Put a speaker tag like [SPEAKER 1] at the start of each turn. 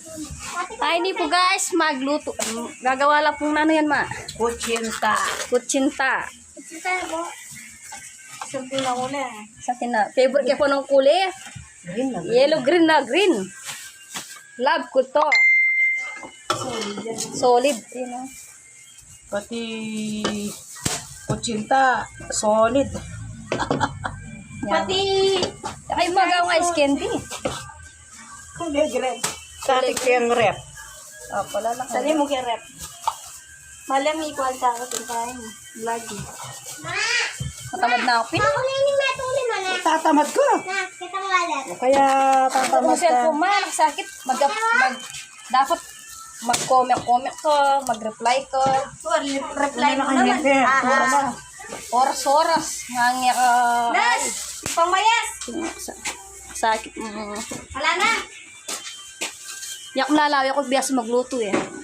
[SPEAKER 1] Ay, hindi po guys, magluto. Gagawa lang pong ano yan, ma?
[SPEAKER 2] Kutsinta.
[SPEAKER 1] Kutsinta.
[SPEAKER 2] Kutsinta po. Isang pinakula.
[SPEAKER 1] Sa favorite ko po ng kulay.
[SPEAKER 2] Green na.
[SPEAKER 1] Yellow, green na green. Love ko to. Solid. Yun, oh.
[SPEAKER 2] Pati kutsinta, solid.
[SPEAKER 1] Pati ay magawa ice candy.
[SPEAKER 2] Kulay green. Sabi ko yung rep.
[SPEAKER 1] Oh, pala lang.
[SPEAKER 2] Sali mo yung rep. Malam equal sa ako tintahin. Lagi.
[SPEAKER 1] Matamad na ako.
[SPEAKER 2] Tatamad ko. Kaya tatamad
[SPEAKER 1] Kasi
[SPEAKER 2] ka.
[SPEAKER 1] ako man, sakit. Dapat mag-comment ko, mag-reply ko.
[SPEAKER 2] Reply mo naman.
[SPEAKER 1] Oras-oras. Ngangya ka.
[SPEAKER 2] Nas! Pangmayas!
[SPEAKER 1] Sakit.
[SPEAKER 2] Wala na!
[SPEAKER 1] Yak malalawi ako biasa magluto eh.